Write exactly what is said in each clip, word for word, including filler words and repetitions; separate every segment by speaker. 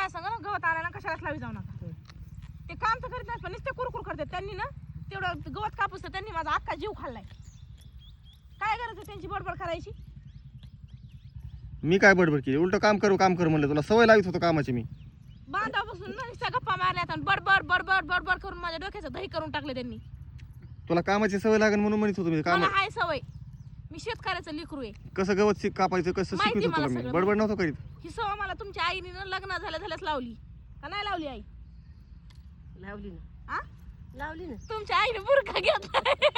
Speaker 1: माझ्या सांगा ना गवत आला ना कशालाच लावी जाऊ नका. ते काम तर करीत नाही पण नुसते कुरकुर करतात. त्यांनी ना तेवढं गवत कापूस त्यांनी माझा अख्खा जीव खाल्लाय. काय गरज आहे त्यांची बडबड करायची.
Speaker 2: मी काय बडबड केली? उलट काम करू काम कर म्हणलं. तुला सवय लावित होतो कामाची मी.
Speaker 1: बांधापासून ना नुसत्या गप्पा मारल्यात आणि बडबड बडबड बडबड करून माझ्या डोक्याचं दही करून टाकले त्यांनी.
Speaker 2: तुला कामाची सवय लागेल म्हणून म्हणत होतो मी काम.
Speaker 1: मला हाय सवय. मी शेतकऱ्याचं लेकरू आहे.
Speaker 2: कसं गवत शिक कापायचं कसं
Speaker 1: माहिती
Speaker 2: शिकवत
Speaker 1: मला
Speaker 2: होतो मी.
Speaker 1: सगळं.
Speaker 2: बडबड नव्हतो करीत.
Speaker 1: ही सवय मला तुमच्या आईने ना लग्न झाल्या झाल्याच लावली का नाही लावली आई?
Speaker 3: लावली ना.
Speaker 1: आ?
Speaker 3: लावली ना.
Speaker 1: तुमच्या आईने बुरखा घेतला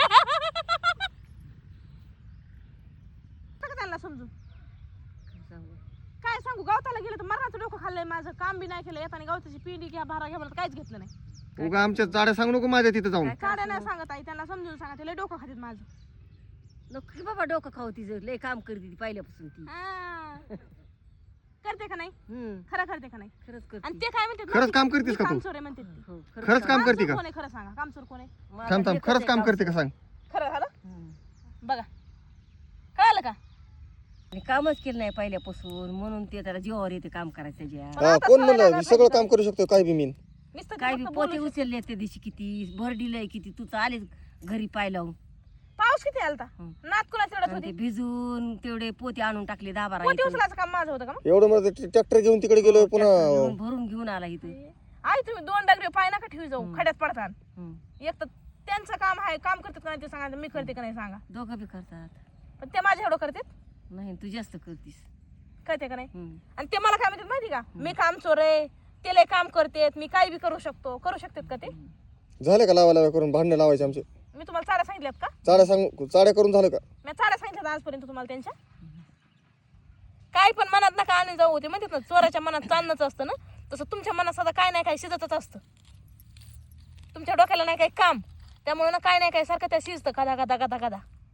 Speaker 1: त्यांना समजून
Speaker 3: काय सांगू?
Speaker 1: काय सांगू. गवताला गेलं तर मरणाचं डोकं खाल्लंय माझं. काम बी नाही केलं. येताना गवताची पिंडी घ्या भारा घ्या म्हणत काहीच घेतलं नाही.
Speaker 2: उगा आमच्या जाड्या सांगू नको माझ्या तिथं जाऊन.
Speaker 1: काड्या नाही सांगत आई. त्यांना समजून सांगा. ते लय डोकं खातात माझं.
Speaker 3: नको की बाबा डोकं खाऊ तिचं. लय काम करते ती पहिल्यापासून ती.
Speaker 1: हा. करते का नाही?
Speaker 3: हम्म.
Speaker 1: खरं करते का नाही?
Speaker 3: खरंच
Speaker 1: आणि
Speaker 3: करते.
Speaker 1: ते काय म्हणतात
Speaker 2: खरंच काम करतेस का तू?
Speaker 1: कामचोर आहे म्हणतात ते.
Speaker 3: हो, खरंच
Speaker 2: खरंच काम करते
Speaker 1: कामचोर
Speaker 2: का?
Speaker 1: कोण आहे खरं सांगा. कामचोर कोण आहे?
Speaker 3: माझा
Speaker 2: थांब थांब
Speaker 3: लेकच
Speaker 2: खरंच
Speaker 3: आहे
Speaker 2: काम करते का
Speaker 3: कामचोर.
Speaker 2: सांग.
Speaker 1: खरं झालं
Speaker 3: हम्म.
Speaker 1: बघा. कळालं का?
Speaker 3: आणि कामच केलं नाही पहिल्यापासून म्हणून ते त्याला जीवावर येते काम करायचं त्याच्या.
Speaker 1: पण
Speaker 2: हा
Speaker 1: आता
Speaker 2: कोण
Speaker 1: सवय
Speaker 2: म्हणलं
Speaker 1: लागायला
Speaker 2: मी सगळं
Speaker 1: पाहिजे.
Speaker 2: काम करू शकतो काय बी मी.
Speaker 1: नुसतं
Speaker 3: काय बी
Speaker 1: फक्त
Speaker 3: पोते
Speaker 1: बोलू शकतो.
Speaker 3: उचलले त्या दिवशी किती भर दिलंय किती तू आलेच घरी पाय लावून.
Speaker 1: पाऊस किती आलता?
Speaker 3: हं.
Speaker 1: नात कुणाच एवढंच
Speaker 3: आणि ते
Speaker 1: होती?
Speaker 3: भिजून तेवढे पोते आणून टाकले दहा बारा
Speaker 1: पोती
Speaker 3: इथं.
Speaker 1: उचलायचं काम माझं होतं का मग?
Speaker 2: एवढं मला ट्रॅक्टर घेऊन तिकडे गेलो पुन्हा.
Speaker 3: भरून भरून घेऊन आला इथं.
Speaker 1: आई तुम्ही दोन डगरे पाय नका ठेवी जाऊ.
Speaker 3: हं.
Speaker 1: खड्यात पडतात.
Speaker 3: हम्म.
Speaker 1: एक तर त्यांचं काम आहे. काम करतात का नाही ते सांगा. मी करते का नाही सांगा.
Speaker 3: दोघं बी करतात.
Speaker 1: पण ते माझ्या एवढं करतात
Speaker 3: नाही तू जास्त करतीस.
Speaker 1: कळते का नाही?
Speaker 3: हम्म.
Speaker 1: आणि ते मला काय म्हणतात माहिती का? मी काम चोर आहे. ते लय काम करतेत. मी काही बी करू शकतो. करू शकतात का ते?
Speaker 2: झाले का लावा लावा करून भांडणं लावायचे आमचे.
Speaker 1: मी तुम्हाला चाड्या सांगितल्यात का?
Speaker 2: चाड्या सांग चाड्या करून झालं का?
Speaker 1: मी चाड्या सांगितल्यात आजपर्यंत तुम्हाला त्यांच्या? काय पण मनात नका आणि जाऊ. ते म्हणतात ना चोराच्या मनात चांदणंच असतं ना, तसं तुमच्या मनात सदा काय नाही काय शिजतच असतं. तुमच्या डोक्याला नाही काही काम त्यामुळे ना काय नाही काय सारखं त्या शिजतं गदा गदा गदा गदा.